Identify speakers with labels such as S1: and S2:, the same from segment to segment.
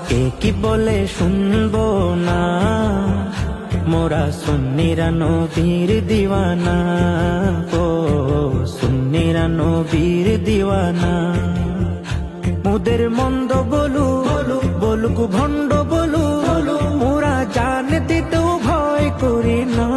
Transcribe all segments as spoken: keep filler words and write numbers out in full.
S1: কে কি বলে শুনবো না, মোরা সুন্নিরা নবীর দিওয়ানা। ও সুন্নিরা নবীর দিওয়ানা। মুদের মন্দ বলু বলু বলুক ভণ্ড বলু বলু, মোরা জান দিতেও ভয় করি না,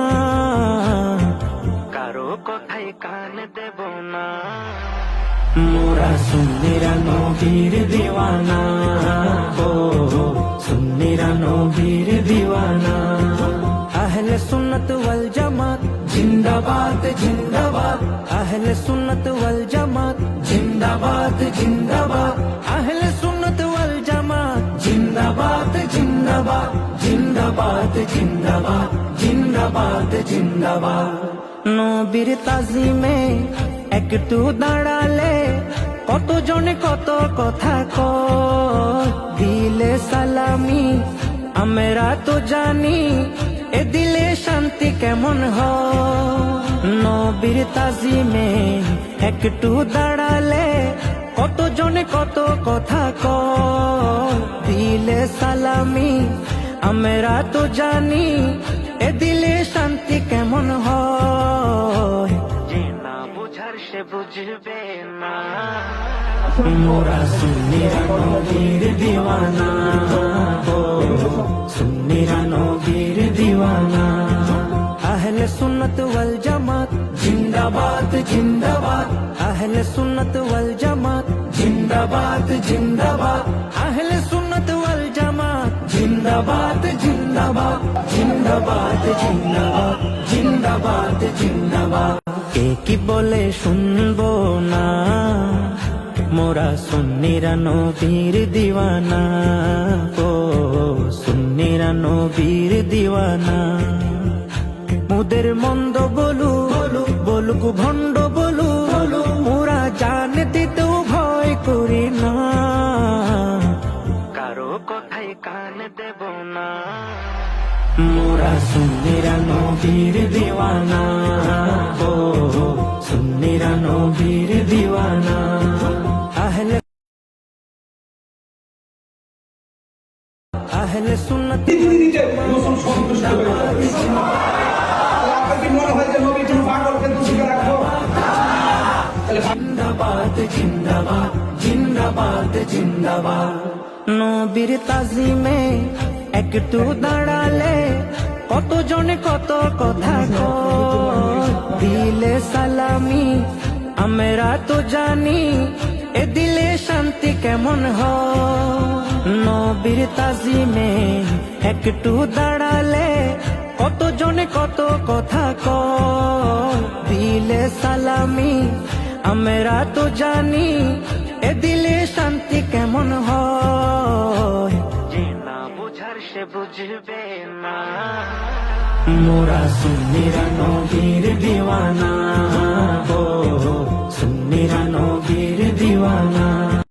S1: কারো কথায় কান দেব না। মোরা সুন্নিরা নবীর দিওয়ানা। ও সুন্নিরা নবীর দিওয়ানা। আহলে সুন্নত ওয়াল জামাত জিন্দাবাদ জিন্দাবাদ। আহলে সুন্নত ওয়াল জামাত জিন্দাবাদ জিন্দাবাদ। আহলে সুন্নত ওয়াল জামাত জিন্দাবাদ জিন্দাবাদ জিন্দাবাদ জিন্দাবাদ জিন্দাবাদ জিন্দাবাদ। নবীর তাজিমে একটু দাঁড়ালে কত জনে কত কথা কয়, দিলে সালামি আমরা তো জানি, এ দিলে শান্তি কেমন হয়। নবীর তাজিমে একটু দাঁড়ালে কত জনে কত কথা কয়, দিলে সালামি আমরা তো জানি, এ দিলে শান্তি কেমন হয়। যে না বুঝার সে বুঝবে না, মোরা সুন্নিরা নবীর দিওয়ানা। ও সুন্নিরা নবীর দিওয়ানা। আহলে সুন্নত ওয়াল জামাত জিন্দাবাদ জিন্দাবাদ। আহলে সুন্নত ওয়াল জামাত জিন্দাবাদ জিন্দাবাদ। আহলে সুন্নত ওয়াল জামাত জিন্দাবাদ জিন্দাবাদ জিন্দাবাদ জিন্দাবাদ জিন্দাবাদ জিন্দাবাদ। কে কি বলে শুনবো না, মোরা সুন্নিরা নবীর দিওয়ানা। ও সুন্নিরা নবীর দিওয়ানা। মুদের মন্দ বলু বলু বলুক ভণ্ড বলু বলু, মোরা জান দিতেও ভয় করি না, কারো কথায় কান দেব না। মোরা সুন্নিরা নবীর দিওয়ানা। ও সুন্নিরা নবীর দিওয়ানা। আহলে আহলে সুন্নত জিন্দাবাদ জিন্দাবাদ জিন্দাবাদ জিন্দাবাদ। নবীর তাজিমে একটু দাঁড়ালে কত জনে কত কথা কয়, দিলে সালামি আমরা তো জানি, এ দিলে শান্তি কেমন হয়। নবীর তাজিমে একটু দাঁড়ালে কত জনে কত কথা কয়, দিলে সালামি আমরা তো জানি, এ দিলে শান্তি কেমন হয়। যে না বুঝার সে বুঝবে না, মোরা সুন্নিরা নবীর দিওয়ানা। ও সুন্নিরা নবীর দিওয়ানা।